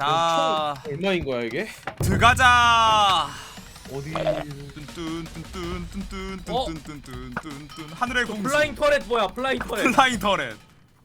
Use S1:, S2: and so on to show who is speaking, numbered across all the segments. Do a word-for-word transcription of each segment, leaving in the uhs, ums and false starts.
S1: 자,
S2: 총 얼마인 거야 이게?
S1: 들어가자.
S2: 어디?
S1: 뚠뚠뚠뚠뚠뚠뚠뚠뚠뚠뚠 하늘의
S3: 그
S1: 공주.
S3: 플라잉 터렛 뭐야? 플라잉 터렛.
S1: 플라잉 터렛.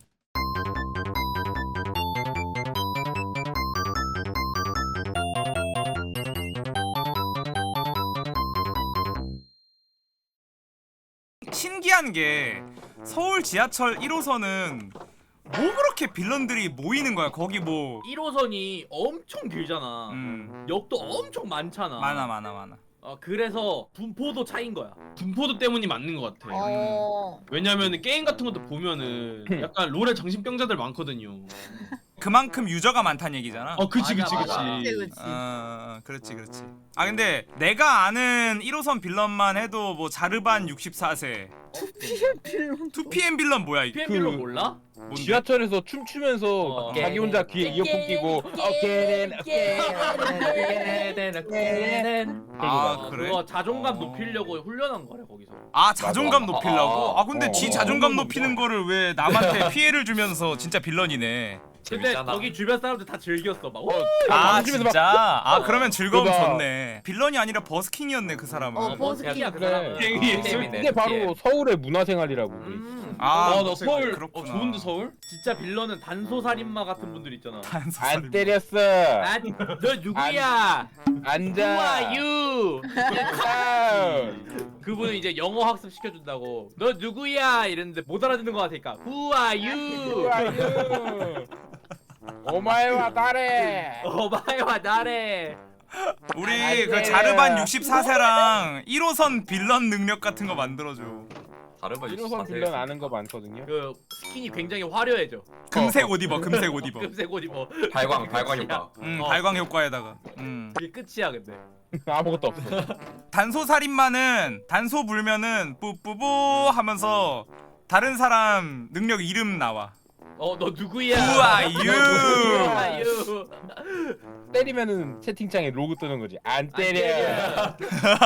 S1: 신기한 게 서울 지하철 일 호선은 뭐 그렇게 빌런들이 모이는 거야? 거기 뭐
S3: 일 호선이 엄청 길잖아.
S1: 음,
S3: 역도 엄청 많잖아.
S1: 많아 많아 많아.
S3: 어, 그래서 분포도 차인 거야.
S2: 분포도 때문이 맞는 것 같아.
S4: 어.
S2: 왜냐면 게임 같은 것도 보면은 약간 롤에 정신병자들 많거든요.
S1: 그만큼 유저가 많다는 얘기잖아.
S2: 어, 그치 그치
S3: 맞아, 맞아.
S2: 그치.
S4: 그치 그치.
S1: 어, 그렇지 그렇지. 아 근데 내가 아는 일 호선 빌런만 해도 뭐 자르반 육십사 세,
S4: 투피엠 빌런.
S1: 투피엠 빌런 뭐야 이게?
S3: 피엠 빌런
S2: 그-
S3: 몰라?
S1: 뭔데?
S2: 지하철에서 춤추면서
S3: 어.
S2: 자기 혼자 귀에 이어폰 끼고 어깨는
S1: 아
S3: 어,
S1: 그래?
S3: 그거 자존감
S1: 어.
S3: 높이려고 훈련한 거래 거기서.
S1: 아 자존감
S5: 맞아.
S1: 높이려고? 아 근데
S5: 어.
S1: 지
S5: 어.
S1: 자존감
S2: 어.
S1: 높이는 거를 왜 남한테 피해를 주면서 진짜 빌런이네.
S3: 근데
S5: 재밌잖아.
S3: 거기 주변 사람들 다 즐겼어. 막. 오!
S1: 아
S2: 방심해서 막-
S1: 진짜? 아 그러면 즐거움
S2: 그거-
S1: 줬네. 빌런이 아니라 버스킹이었네 그 사람은.
S4: 어, 버스킹이야,
S3: 그
S2: 그래.
S3: 사람은.
S2: 갱이
S3: 어.
S5: 재밌네.
S2: 이게 바로 서울의 문화생활이라고.
S3: 음.
S1: 아,
S2: 아, 나 서울
S1: 그렇구나.
S2: 어, 좋은데 서울?
S3: 진짜 빌런은 단소살인마 같은 분들 있잖아.
S2: 안 때렸어.
S3: 아, 너 누구야? Who
S2: 앉아.
S3: are you?
S2: 다운.
S3: 그분은 이제 영어 학습 시켜준다고. 너 누구야? 이랬는데 못 알아듣는 거 같으니까 Who are you?
S2: 아유. 오마이와 다레.
S3: 어바이와 나래.
S1: 우리 그 자르반 육십사 세랑 일 호선 빌런 능력 같은 거 만들어줘.
S5: 다른 거
S2: 일호선 빌런 아는 거 많거든요.
S3: 그 스킨이 굉장히 화려해져.
S1: 금색 옷 입어, 금색 옷 입어.
S3: 금색 옷 입어.
S5: 발광 발광 효과.
S1: 음,
S3: 어.
S1: 발광 효과에다가. 음.
S3: 그게 끝이야 근데.
S2: 아무것도 없어.
S1: 단소 살인마는 단소 불면은 뿌뿌뿌 하면서 다른 사람 능력 이름 나와.
S3: 어 너 누구야?
S1: Who are
S3: Who
S1: you?
S3: are you?
S2: 때리면은 채팅창에 로그 뜨는 거지. 안
S3: 안
S2: 때려.
S3: 때려.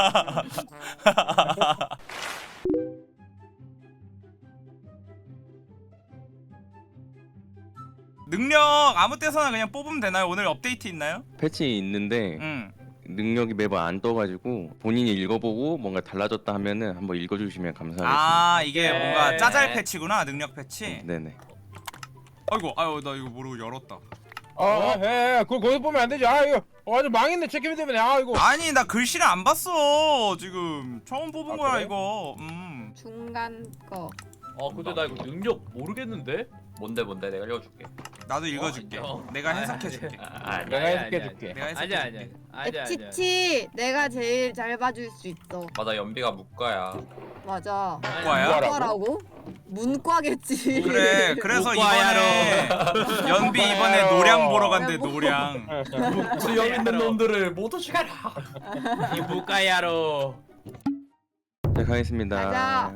S1: 능력 아무 때서나 그냥 뽑으면 되나요? 오늘 업데이트 있나요?
S6: 패치 있는데
S1: 응.
S6: 능력이 매번 안 떠가지고 본인이 읽어보고 뭔가 달라졌다 하면은 한번 읽어주시면 감사하겠습니다.
S1: 아 이게
S3: 네.
S1: 뭔가 짜잘 패치구나. 능력 패치.
S6: 네네.
S1: 아이고 아유 나 이거 모르고 열었다.
S2: 아, 예, 그거 거기 보면 안 되지. 아, 이거 완전 망했네. 체크맨 때문에. 아, 이거.
S1: 아니 나 글씨를 안 봤어 지금. 처음 뽑은
S2: 아,
S1: 거야
S2: 그래?
S1: 이거. 음.
S4: 중간 거.
S3: 어 근데 나 이거 능력 모르겠는데?
S5: 뭔데 뭔데 내가 읽어줄게.
S1: 나도 읽어줄게.
S3: 어.
S1: 내가
S3: 아,
S1: 해석해줄게.
S5: 아, 아니.
S2: 내가
S3: 아니야,
S2: 해석해
S3: 아니야,
S2: 줄게.
S1: 내가
S3: 아니야 아니야
S1: 해석해줄게.
S3: 아니야 아니야.
S4: 에치치 내가 제일 잘 봐줄 수 있어.
S5: 맞아 연비가 묵과야.
S4: 맞아.
S1: 문과야?
S2: 문과라고?
S4: 문과라고? 문과겠지.
S1: 그래 그래서
S3: 문과야로.
S1: 이번에 연비 이번에 노량 보러 간대 노량.
S5: 수염 있는 놈들을 모두 죽여라.
S3: 이 무가야로.
S6: 자 가겠습니다.
S4: 가자.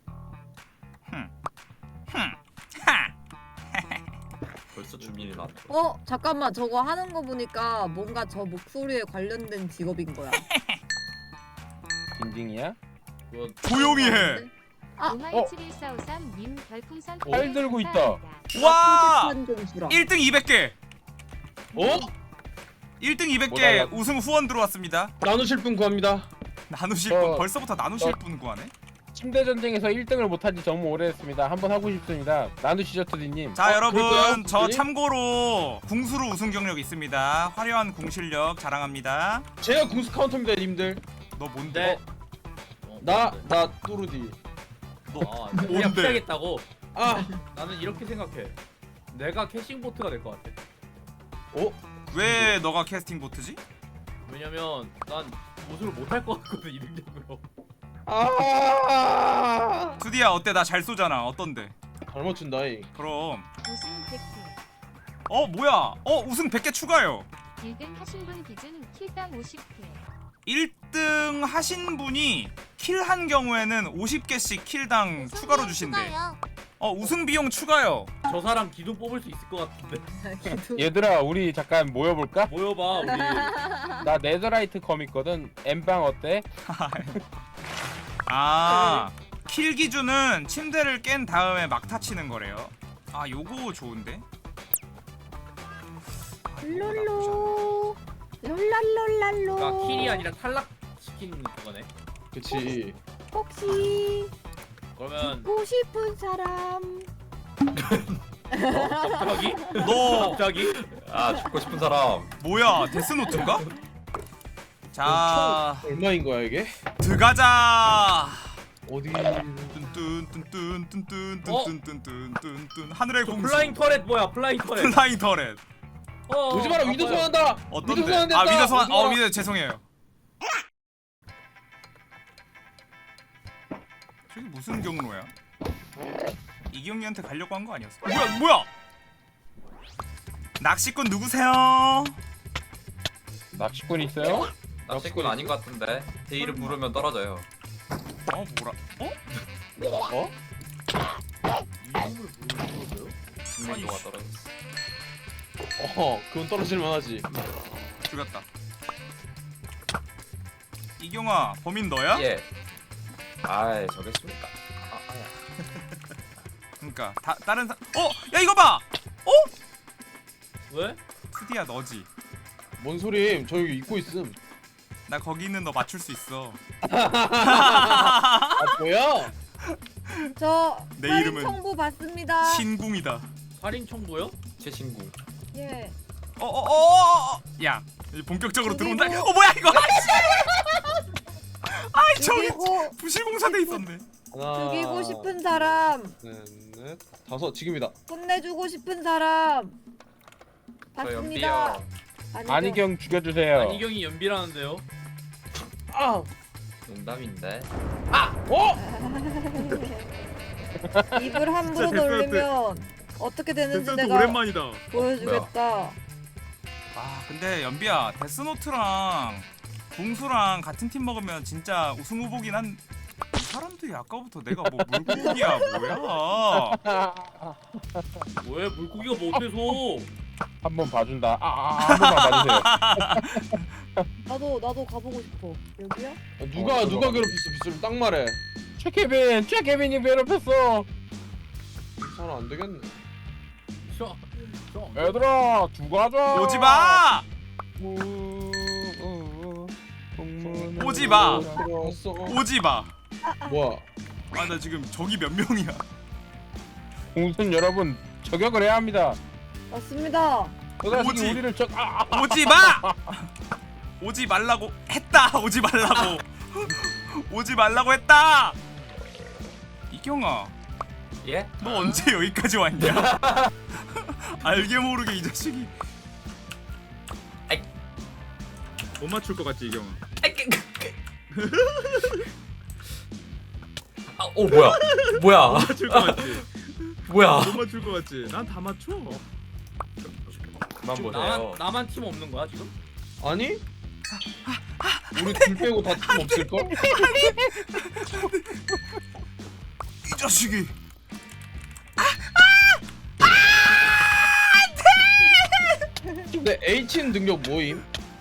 S5: 벌써 준비를 나.
S4: 어 잠깐만 저거 하는 거 보니까 뭔가 저 목소리에 관련된 직업인 거야.
S2: 징징이야?
S3: 뭐,
S1: 조용히 해.
S4: 아,
S7: 오마이 칠일사오삼 님 별풍선
S2: 팔 들고 있다.
S1: 와
S4: 좀 주라.
S1: 일 등 이백 개.
S2: 어?
S1: 일 등 이백
S2: 뭐
S1: 개
S2: 달라고?
S1: 우승 후원 들어왔습니다.
S2: 나누실 분 구합니다.
S1: 나누실
S2: 어,
S1: 분 벌써부터 나누실
S2: 어.
S1: 분 구하네.
S2: 침대 전쟁에서 일 등을 못한 지 너무 오래됐습니다. 한번 하고 싶습니다. 나누시죠, 투디님.
S1: 자
S2: 어,
S1: 여러분
S2: 그럴까요?
S1: 저
S2: 투디?
S1: 참고로 궁수로 우승 경력 있습니다. 화려한 궁 실력 자랑합니다.
S2: 제가 궁수 카운터입니다, 님들.
S1: 너 뭔데?
S3: 네. 어,
S2: 나,
S3: 뭔데?
S2: 나 또르디.
S3: 어, 그냥
S1: 뭔데?
S3: 피하겠다고.
S2: 아,
S3: 나는 이렇게 생각해. 내가 캐싱 보트가 될 것 같아.
S2: 어?
S1: 왜 너가 캐스팅 보트지?
S3: 왜냐면 난 무술을 못할 것 같거든 이 능력으로.
S2: 아.
S1: 투디야 어때? 나 잘 쏘잖아. 어떤데?
S2: 잘 맞춘다, 이.
S1: 그럼.
S7: 우승 백 개.
S1: 어 뭐야? 어 우승 백 개 추가요.
S7: 일 등 하신 분 기준 킬당 오십 회.
S1: 일 등 하신 분이 킬 한 경우에는 오십 개씩 킬당 추가로 주신대. 어 우승 비용 추가요.
S3: 저 사람 기둥 뽑을 수 있을 것 같은데.
S2: 얘들아, 우리 잠깐 모여볼까?
S3: 모여봐 우리.
S2: 나 네더라이트 검 있거든. 엠방 어때?
S1: 아, 킬 기준은 침대를 깬 다음에 막타 치는 거래요. 아, 요거 좋은데? 아, 요거 나쁘지
S4: 롤랄롤랄로.
S3: 그러니까 킬이 아니라 탈락시킨 그거네.
S8: 그치.
S4: 혹시
S3: 그러면
S4: 죽고 싶은 사람?
S3: 어? 갑자기?
S1: 너
S3: 갑자기?
S5: 아 죽고 싶은 사람.
S1: 뭐야 데스노트인가? 자
S8: 얼마인 거야 이게?
S1: 들어가자.
S8: 어디?
S1: 뚠뚠뚠뚠뚠뚠뚠뚠뚠뚠뚠 하늘의
S3: 저
S1: 공주
S3: 플라잉 터렛 뭐야? 플라잉 터렛.
S1: 플라잉 터렛
S3: 어,
S8: 오지 마라.
S3: 어,
S8: 위도
S3: 바꿔요.
S8: 소환한다.
S1: 어떤데?
S8: 위도 소환된다.
S1: 아 위더 소환
S8: 오지
S1: 어
S8: 마라.
S1: 위더 죄송해요. 저기 무슨 경로야? 이경이한테 가려고 한 거 아니었어? 뭐야 뭐야? 낚시꾼 누구세요?
S2: 낚시꾼 있어요?
S5: 낚시꾼 아닌 것 같은데. 제 이름 부르면 떨어져요.
S1: 어 뭐라? 어?
S8: 어?
S5: 진민도가 떨어졌어.
S8: 어, 그건 떨어질 만하지.
S1: 죽였다. 이경아 범인 너야?
S5: 예. 아이 저겠습니까? 아, 아야.
S1: 그러니까 다 다른 사. 어? 야 이거 봐.
S3: 왜?
S1: 트디야 너지.
S8: 뭔 소림? 저 여기 입고 있음.
S1: 나 거기 있는 너 맞출 수 있어.
S8: 아 뭐야?
S4: 저
S1: 내
S4: 살인
S1: 이름은
S4: 청부 받습니다.
S1: 신궁이다.
S3: 살인 청부요?
S5: 제 친구.
S4: 예.
S1: 어어어. 야 이제 본격적으로
S4: 저기고.
S1: 들어온다. 어 뭐야 이거? 아이씨. 아이 저기
S4: 죽이고
S1: 부실공사돼 있었네.
S8: 하나.
S4: 죽이고 싶은 사람.
S8: 넷, 넷, 다섯. 지금이다.
S4: 혼내주고 싶은 사람.
S5: 저
S4: 받습니다.
S5: 연비요.
S2: 안희경 죽여주세요.
S3: 안희경이 연비라는데요.
S8: 아.
S5: 농담인데.
S4: 입을 함부로
S1: 진짜
S4: 놀리면 어떻게 되는지
S1: 데스노트
S4: 내가
S1: 오랜만이다.
S4: 보여주겠다.
S1: 아 근데 연비야 데스노트랑 궁수랑 같은 팀 먹으면 진짜 우승 후보긴 한. 이 사람들이 아까부터 내가 뭐 물고기야 뭐야?
S3: 왜 물고기가 뭐 어때서?
S2: 한번 봐준다. 아, 아, 한 번만 봐주세요.
S4: 나도 나도 가보고 싶어. 여기요?
S8: 아, 누가
S2: 어,
S8: 누가
S2: 들어가.
S8: 괴롭혔어? 빗소리 딱 말해.
S2: 최케빈, 최케빈이 괴롭혔어.
S8: 사람 안 되겠네.
S3: 저, 저.
S2: 얘들아, 두고 하자.
S1: 오지 마.
S2: 오지
S1: 오지 마.
S8: 들어왔어.
S1: 오지 마.
S8: 뭐야?
S1: 아 나 지금 저기 몇 명이야?
S2: 공순 여러분 저격을 해야 합니다.
S4: 맞습니다.
S2: 또다시
S1: 오지.
S2: 우리를 적. 아, 아.
S1: 오지 마. 오지 말라고 했다. 오지 말라고. 오지 말라고 했다. 이경아,
S5: 예?
S1: 너 언제 여기까지 왔냐? 알게 모르게 이 자식이.
S5: 아이.
S1: 못 맞출 것 같지 이경아?
S5: 아, 오 뭐야? 뭐야?
S1: 맞출 것 같지?
S5: 뭐야?
S1: 못 맞출 것 같지? 난 다 맞춰.
S5: 그만
S3: 나만
S5: 보세요.
S3: 나만 팀 없는 거야 지금?
S8: 아니? 우리 둘 빼고 다 팀 없을 걸?
S1: 이 자식이.
S8: 근데 H는 능력 뭐임?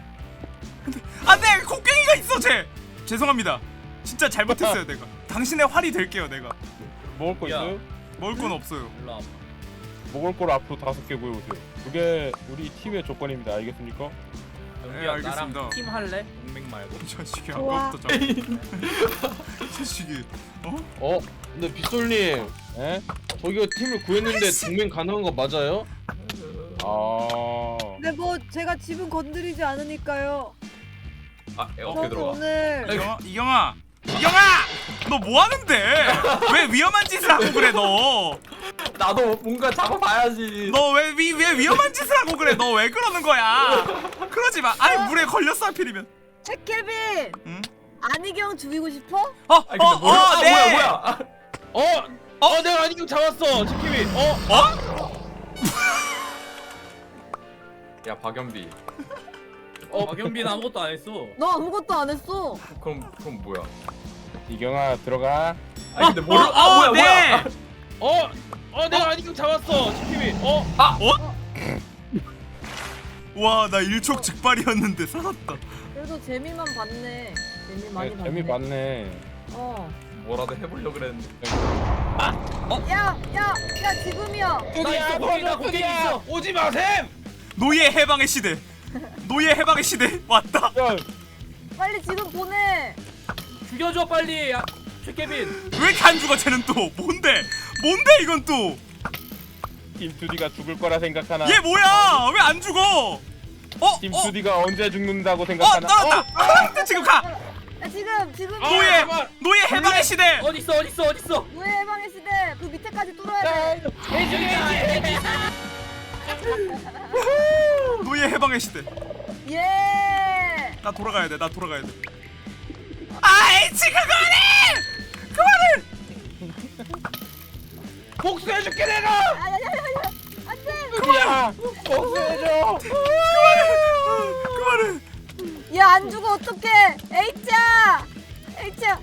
S1: 안돼 곡괭이가 있어 쟤. 죄송합니다. 진짜 잘못했어요 내가. 당신의 활이 될게요 내가.
S2: 먹을 거
S3: 야.
S2: 있어요?
S1: 먹을 건 없어요.
S3: 일로 와봐.
S2: 먹을 걸 앞으로 다섯 개 구해오세요. 그게 우리 팀의 조건입니다. 알겠습니까?
S1: 네,
S3: 연비야
S1: 알겠습니다.
S3: 나랑 팀 할래? 동맹 말고.
S1: 이 자식이
S4: 좋아.
S1: 아까부터 자꾸. 이 자식이. 어?
S8: 어? 근데 빗솔님
S2: 에?
S8: 저기가 팀을 구했는데 동맹 가능한 거 맞아요?
S2: 아.
S4: 근데 뭐 제가 집은 건드리지 않으니까요.
S5: 아 어떻게
S4: 저도
S5: 들어가?
S4: 오늘
S1: 이경아, 이경아, 이경아, 너 뭐 하는데? 왜 위험한 짓을 하고 그래 너?
S5: 나도 뭔가 잡아봐야지.
S1: 너 왜 위 왜 위험한 짓을 하고 그래? 너 왜 그러는 거야? 그러지 마. 아니 물에 걸렸어 하필이면.
S4: 최케빈
S1: 응?
S4: 안희경 죽이고 싶어?
S1: 어,
S5: 아니 근데
S1: 어,
S5: 뭐야?
S1: 어,
S5: 아,
S1: 네.
S5: 뭐야 뭐야? 아,
S8: 어? 어? 내가 아니경 잡았어. 지킴이. 어?
S1: 어?
S5: 야 박연비.
S3: 어, 박연비는 아무것도 안 했어.
S4: 너 아무것도 안 했어.
S5: 그럼 그럼 뭐야?
S2: 이경아 들어가.
S5: 아니 근데 모르.
S1: 어,
S5: 아
S1: 어,
S5: 뭐야
S1: 네.
S5: 뭐야?
S8: 어? 어 내가 아니경 잡았어. 지킴이. 어?
S1: 와, 나 일촉 즉발이었는데 살았다.
S4: 그래도 재미만 봤네. 재미 많이
S2: 네,
S4: 봤네.
S2: 재미 봤네.
S4: 어.
S5: 뭐라도 해보려 그랬는데.
S4: 야, 야, 야 지금이야.
S3: 나 있어, 거기다, 거기 있어.
S8: 오지 마셈!
S1: 노예 해방의 시대. 노예 해방의 시대 왔다.
S2: 야,
S4: 빨리 지금 보내.
S3: 죽여줘 빨리. 야, 최케빈.
S1: 왜 이렇게 안 죽어 쟤는 또? 뭔데? 뭔데 이건 또?
S2: 김투디가 죽을 거라 생각하나?
S1: 얘 뭐야? 왜 안 죽어? 어? 어?
S2: 김투디가 언제 죽는다고
S1: 어?
S2: 생각하나?
S1: 나왔다. 지금 가.
S4: 아, 지금 지금
S1: 노예
S8: 잠깐만.
S1: 노예 해방의 시대.
S3: 어디 있어 어디 있어 어디 있어.
S4: 노예 해방의 시대 그 밑에까지 뚫어야 돼.
S1: 노예 해방의 시대.
S4: 예.
S1: 나 돌아가야 돼. 나 돌아가야 돼. 아이 지금 그만해.
S8: 복수해줄게 내가.
S4: 아야야야야. 안돼.
S2: 투디야, 복수해줘.
S1: 그만해.
S4: 얘 안 죽어 어떡해. H야. H야.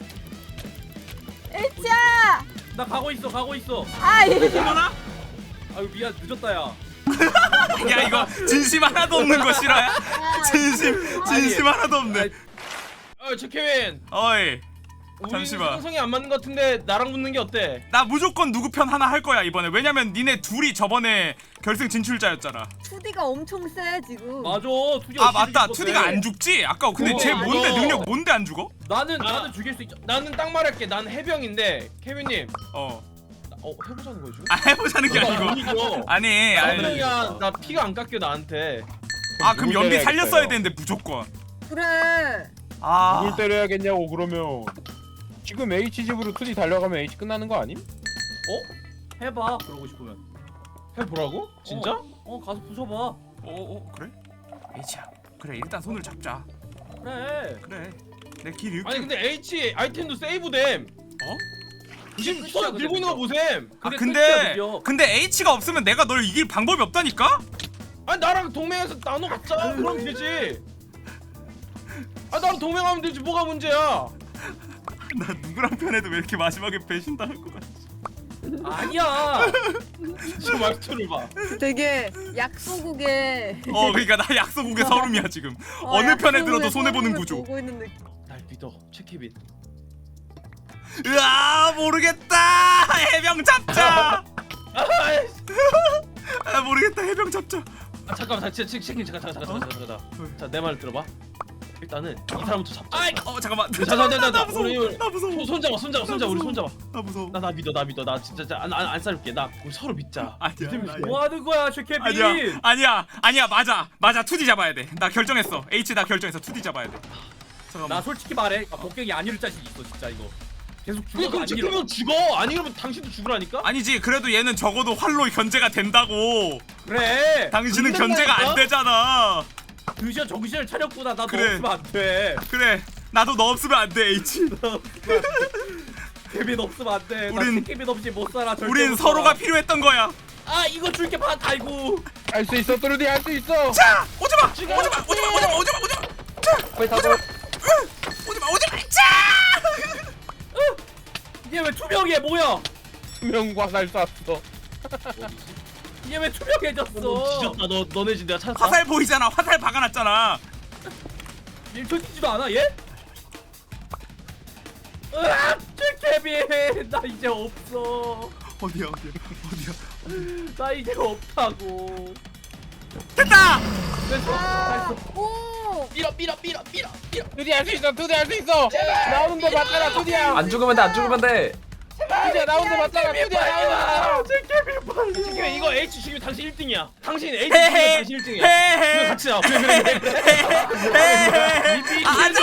S4: H야.
S3: 나 가고 있어 가고 있어.
S4: 아 이.
S1: 그만아.
S3: 아유 미안 늦었다 야.
S1: 야 이거 진심 하나도 없는 거 싫어요? 진심 진심 하나도 없네.
S8: 어 최케빈.
S1: 어이
S8: 우리
S1: 잠시만.
S8: 상성이 안 맞는 것 같은데 나랑 붙는 게 어때?
S1: 나 무조건 누구 편 하나 할 거야 이번에. 왜냐면 니네 둘이 저번에 결승 진출자였잖아.
S4: 투디가 엄청 세 지금.
S3: 맞아. 투디가
S1: 아 맞다.
S3: 죽일 수
S1: 투디가
S3: 있어.
S1: 안 죽지? 아까 근데
S8: 그거
S1: 쟤
S8: 맞아.
S1: 뭔데 능력 뭔데 안 죽어?
S3: 나는
S8: 아.
S3: 나는 죽일 수 있죠.
S8: 나는 딱 말할게. 난 해병인데 케빈님.
S1: 어.
S8: 나- 어 해보자는 거지?
S1: 아 해보자는 게 아니고.
S8: 아니고.
S1: 아니 아니.
S8: 해병이야. 나 피가 안 깎여 나한테.
S1: 아 그럼
S2: 누굴
S1: 연비
S2: 때려야겠어요?
S1: 살렸어야 되는데 무조건.
S4: 그래.
S1: 아.
S2: 누굴 때려야겠냐고 그러면 지금 H 집으로 투디 달려가면 H 끝나는 거 아님?
S3: 어? 해봐. 그러고 싶으면.
S8: 해보라고? 진짜?
S3: 어 가서 부숴봐.
S1: 어, 어 그래? H야. 그래 일단 손을 잡자.
S3: 그래.
S1: 그래. 내 길 잃게.
S8: 아니 근데 H 아이템도 세이브됨.
S1: 어?
S8: 지금
S3: 끝이야,
S8: 손
S3: 근데
S8: 들고 있는 거 보셈.
S1: 아
S3: 그게 끝이야,
S1: 근데
S3: 드디어.
S1: 근데 H가 없으면 내가 널 이길 방법이 없다니까?
S8: 아니 나랑 동맹해서 나눠 갖자. 그럼 되지. 아 나랑 동맹하면 되지. 뭐가 문제야?
S1: 나 누구랑 편해도 왜 이렇게 마지막에 배신당할 것 같지?
S3: 아니야.
S8: 저 말투를 봐.
S4: 되게 약소국에.
S1: 어 그러니까 나 약소국의 서름이야 지금. 어느 편에 들어도 손해 보는 구조.
S4: 보고 있는 느낌.
S8: 날 믿어, 최케빈.
S1: 으아 모르겠다. 해병 잡자.
S8: 아이씨.
S1: 아 모르겠다. 해병 잡자.
S8: 아 잠깐만, 진짜 책 책임 잠깐 잠깐 잠깐 잠깐 잠깐 잠깐. 자 내 말 들어봐. 일단은 이 사람부터 잡자.
S1: 아이 어 잠깐만.
S8: 자, 자, 자, 자, 자,
S1: 나 무서워.
S8: 우리-
S1: 나 무서워.
S8: 손, 손 잡아, 손 잡아, 손 잡아, 우리 손 잡아.
S1: 나 무서워.
S8: 나 나 믿어, 나 믿어, 나 진짜 안안 안 쌀게. 나 우리 서로 믿자.
S1: 아니야. 아니야.
S3: 뭐 하는 거야, 최케빈?
S1: 아니야. 아니야. 아니야. 맞아. 맞아. 투디 잡아야 돼. 나 결정했어. H 나 결정했어. 투디 잡아야 돼. 잠깐만.
S3: 나 솔직히 말해. 아, 복갱이 안 이룰 자신 있어, 진짜 이거. 계속
S8: 근데
S3: 죽어도
S8: 그럼
S3: 안 이뤄.
S8: 최케빈 죽어. 아니 그러면 당신도 죽으라니까?
S1: 아니지. 그래도 얘는 적어도 활로 견제가 된다고.
S3: 그래.
S1: 당신은
S8: 안
S1: 견제가 안
S8: 된다니까?
S1: 되잖아.
S3: 드디어 정신을 차렸구나. 나너
S1: 그래.
S3: 없으면 안 돼.
S1: 그래. 나도 너 없으면 안 돼. H.
S3: 케빈 없으면 안 돼.
S1: 우린-
S3: 나 케빈 없이 못 살아. 절대
S1: 우린
S3: 못
S1: 서로가
S3: 살아.
S1: 필요했던 거야.
S3: 아 이거 줄게 봐. 아이고.
S2: 할 수 있어, 뚜루디 할 수 있어.
S1: 자, 오지 마. 오지 마. 오지 마. 오지 마. 오지 마. 오지 마. 오지 마. 자,
S2: 거의 다
S1: 오지 마. 오지 마. 오지 마. 자.
S3: 이게 왜 투명해? 뭐야?
S2: 투명 화살 쐈어.
S3: 이게 왜 투명해졌어?
S8: 너 뒤졌다. 너 너네 집 내가 찾았다.
S1: 화살 보이잖아. 화살 박아놨잖아.
S3: 밀쳐지지도 않아 얘? 으악! 케빈 나 이제 없어.
S1: 어디야? 어디야? 어디야?
S3: 나 이제 없다고.
S1: 됐다.
S3: 됐어.
S4: 아,
S3: 됐어.
S4: 오.
S8: 밀어, 밀어, 밀어, 밀어, 밀어.
S2: 투디 할 수 있어, 투디 할 수 있어. 나오는 거 맞잖아, 투디야.
S5: 안 죽으면 돼, 안 죽으면 돼.
S2: 투디야 나오는 거 맞잖아, 투디야 나오는 거.
S3: 제 케빈 빨리.
S8: 지금 이거 H 죽이면 당신 일 등이야. 당신 H 죽이면
S1: 헤헤.
S8: 당신 일 등이야. 그래
S1: 헤헤.
S8: 같이 나. 그래 그래 그래.
S1: 헤헤. 아, 아니.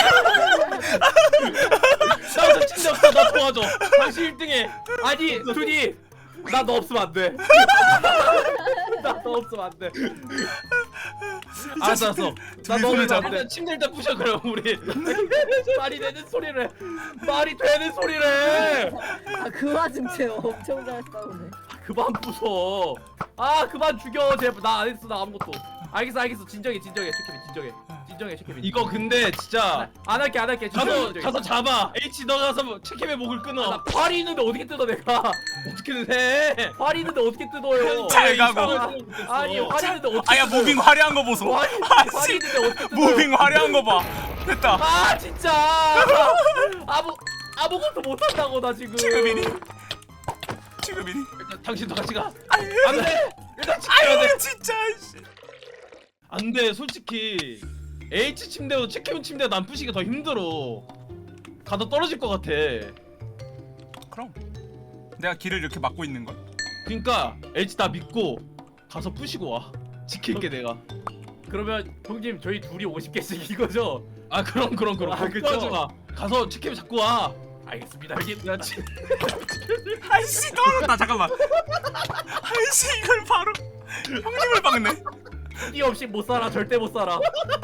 S8: 나도 진짜 없어. 나 도와줘.
S3: 당신 일 등해. 아니 둘이 나 너 없으면 안 돼. 나 너 없으면 안 돼.
S8: 알았어, 알았어.
S3: 나
S1: 둘이
S3: 너
S1: 손을
S3: 없으면 안
S1: 잡아.
S3: 돼.
S8: 일단 침대 일단 부셔 그럼 우리.
S3: 말이 되는 소리를 해. 말이 되는 소리를 해.
S4: 아, 그 와중 쟤 엄청 잘 싸우네.
S3: 그만 부숴. 아 그만 죽여 제발. 나 안 했어. 나 아무것도. 알겠어 알겠어. 진정해 진정해 최케빈 진정해. 진정해 최케빈.
S8: 이거 근데 진짜
S3: 안 할게 안 할게. 진정해,
S8: 가서
S3: 진정해.
S8: 가서 잡아. H 너 가서 체크의 목을 끊어.
S3: 나 활이 있는데 어떻게 뜯어 내가.
S8: 어떻게든 해.
S3: 활이 있는데 어떻게 뜯어요.
S1: 잘 가고.
S3: 아니 활이 있는데 어떻게
S1: 아야 무빙 화려한 거 보소.
S3: 활이
S1: 아,
S3: 활이
S1: 씨.
S3: 있는데 어떻게 뜯어요.
S1: 무빙 화려한 거 봐. 됐다.
S3: 아 진짜 아무 아무것도 못한다고 나 지금.
S1: 지금이니? 지금이니?
S8: 일단 당신도 같이 가. 안 돼. 일단 지켜야 돼.
S1: 아유 진짜. 씨.
S8: 안돼 솔직히 H 침대보다 체크인 침대가 난 부시기가 더 힘들어. 가다 떨어질 것 같아.
S1: 그럼 내가 길을 이렇게 막고 있는 걸.
S8: 그니까 H 다 믿고 가서 부시고 와. 지킬게 내가.
S3: 그러면 형님 저희 둘이 오십 개씩 이거죠?
S8: 아 그럼 그럼 그럼.
S3: 아, 그쵸?
S8: 걱정하지 마. 가서 체크인 잡고 와.
S3: 알겠습니다 형님.
S8: 야, 치...
S1: 아이씨 떨어졌다. 잠깐만. 아이씨 이걸 바로 형님을 박네.
S3: 이 없이 못 살아. 절대 못 살아.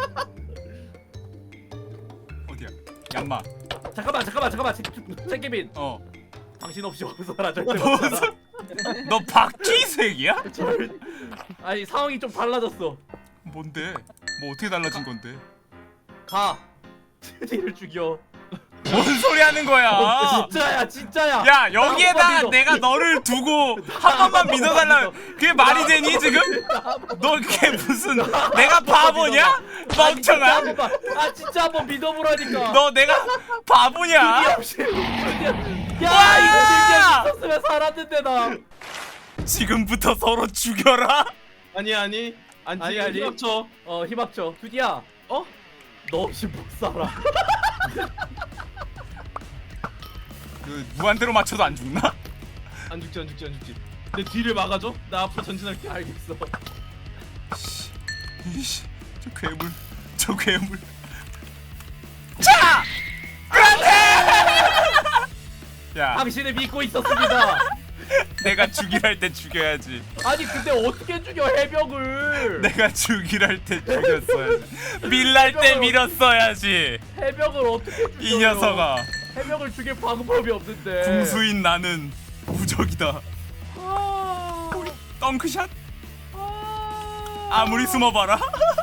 S1: 어디야? 얌마.
S3: 잠깐만 잠깐만 잠깐만 책임인
S1: 어.
S3: 당신 없이 못 살아. 절대 못 살아.
S1: 너 바퀴색이야?
S3: 절... 아니 상황이 좀 달라졌어.
S1: 뭔데? 뭐 어떻게 달라진 건데?
S3: 가. 트디를 죽여.
S1: 뭔 소리 하는 거야?
S3: 진짜야 진짜야.
S1: 야 여기에다
S3: 믿어.
S1: 내가 너를 두고 한 번만 믿어달라. 그게 말이 되니 지금? 너 그게 무슨 내가 바보냐? 멍청아.
S3: 아 진짜, 아, 진짜 한번 믿어보라니까.
S1: 너 내가 바보냐?
S3: 이 없이. 야
S1: 와!
S3: 이거 진짜 있었으면 살았는데 나.
S1: 지금부터 서로 죽여라.
S8: 아니 아니. 아니
S3: 아니, 아니.
S8: 합쳐.
S3: 어 힘합쳐. 두디야.
S8: 어?
S3: 너 없이 못 살아.
S1: 그 무한대로 맞춰도 안 죽나?
S8: 안 죽지 안 죽지 안 죽지. 내 뒤를 막아줘. 나 앞으로 전진할게.
S3: 알겠어.
S1: 이씨, 저 괴물, 저 괴물. 자, 그렇지. 야,
S3: 당신을 믿고 있었습니다.
S1: 내가 죽이랄 때 죽여야지.
S3: 아니 근데 어떻게 죽여 해벽을?
S1: 내가 죽이랄 때 죽였어야지. 밀랄 때 밀었어야지.
S3: 해벽을 어떻게 죽여?
S1: 이 녀석아.
S3: 해벽을 죽일 방법이 없는데.
S1: 궁수인 나는 무적이다. 우리 덩크샷? 아무리 숨어봐라.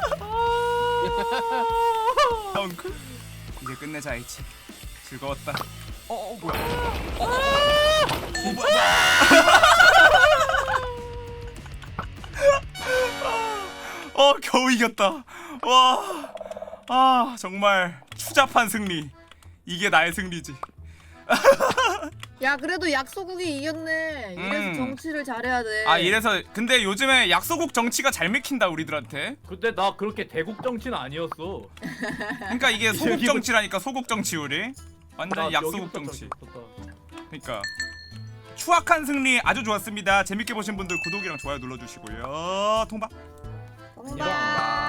S1: 덩크? 이제 끝내자 H. 즐거웠다. 어, 어 뭐야? 어, 어 뭐야? 어 겨우 이겼다. 와, 아 정말 추잡한 승리. 이게 나의 승리지.
S4: 야 그래도 약소국이 이겼네. 이래서
S1: 음.
S4: 정치를 잘해야 돼.
S1: 아 이래서 근데 요즘에 약소국 정치가 잘 맥힌다 우리들한테.
S3: 근데 나 그렇게 대국 정치는 아니었어.
S1: 그러니까 이게 소국
S3: 여기부터-
S1: 정치라니까. 소국 정치 우리 완전
S3: 나
S1: 약소국
S3: 여기부터
S1: 정치.
S3: 있었다.
S1: 그러니까 추악한 승리 아주 좋았습니다. 재밌게 보신 분들 구독이랑 좋아요 눌러주시고요. 통박.
S4: 통박.